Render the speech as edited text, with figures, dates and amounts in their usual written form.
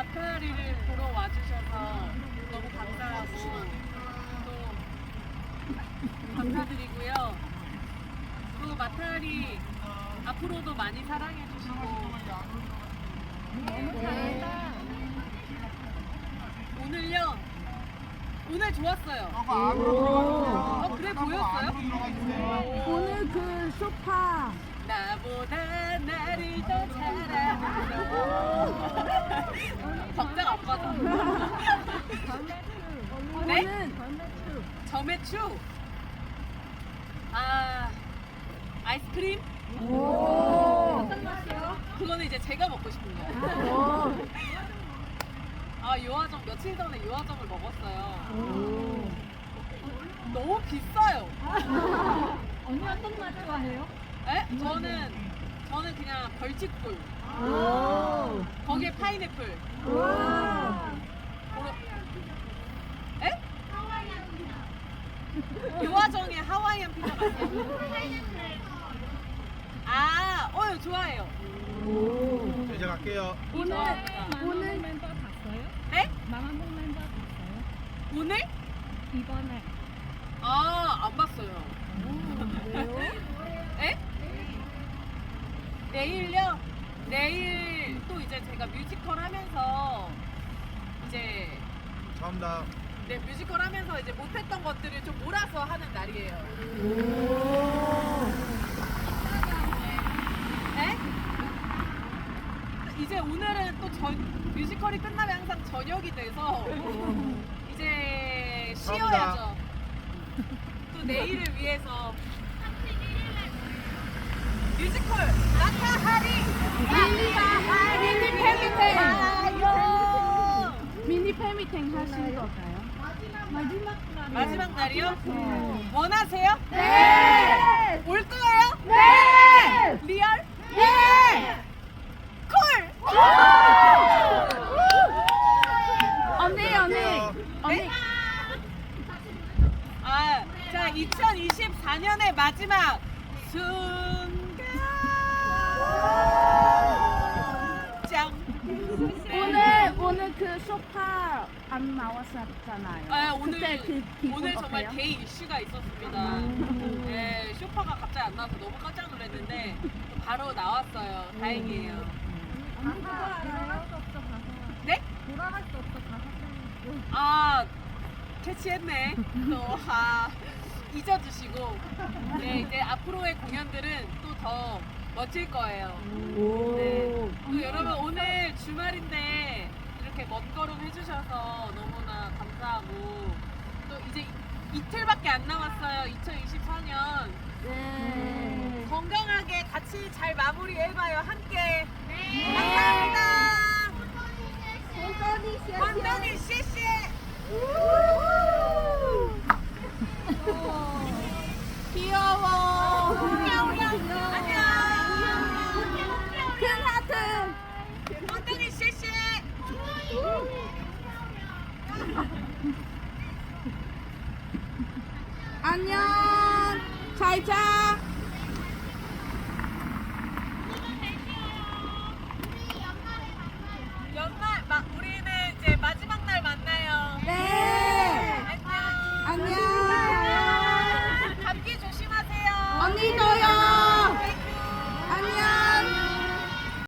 마타리를 보러 와주셔서 너무 감사하고 또 감사드리고요. 또 마타리 앞으로도 많이 사랑해주시고 오늘요? 오늘 좋았어요. 그래 보였어요? 오늘 그 소파 나보다 나를 더 잘하는 걱정 안 받아. 네? 점액추. 아, 아이스크림? 어떤 맛이요? 그거는 이제 제가 먹고 싶은 거예요. 아, 요화정 며칠 전에 요화정을 먹었어요. 너무 비싸요. 언니 어떤 맛 좋아해요? 에? 저는 그냥 벌집꿀. 거기에 파인애플. 에? 요화정에 하와이안 피자 맛이요? 아, 좋아해요. 이제 갈게요. 오늘 멤버 갔어요? 네? 마마몽 멤버 갔어요? 오늘? 이번에 안 봤어요. 에? 내일요? 내일 또 이제 제가 뮤지컬 하면서 이제 네, 뮤지컬 하면서 이제 못했던 것들을 좀 몰아서 하는 날이에요. 네? 이제 오늘은 또 뮤지컬이 끝나면 항상 저녁이 돼서 이제 쉬어야죠. 또 내일을 위해서 뮤지컬 나타하리 미니 팬미팅 하신 건가요? 마지막 날이요? 원하세요? 네! 올 거예요? 네! 리얼? 네! 콜! 언니 자, 2024년의 마지막 순간 짱! 오늘 그 소파 안 나왔었잖아요. 그때 그 기분 오늘 정말 어때요? 데이 이슈가 있었습니다. 네, 쇼파가 갑자기 안 나와서 너무 깜짝 놀랐는데 바로 나왔어요. 다행이에요. 언니 그거 알아요? 네? 돌아갈 수 없어 가서 캐치했네. 또 잊어주시고 네, 이제 앞으로의 공연들은 또 더 멋질 거예요. 네. 또 여러분 오늘 주말인데 이렇게 먼 걸음 해주셔서 너무나 감사하고 또 이제 이틀밖에 안 남았어요. 2024년 네. 건강하게 같이 잘 마무리해봐요. 함께. 감사합니다. 원동이 씨씨. 귀여워. 안녕. 큰 하트! 원동이 씨씨. 안녕! 잘 자! 우리는 이제 마지막 날 만나요. 네! 안녕. 안녕! 감기 조심하세요. 언니도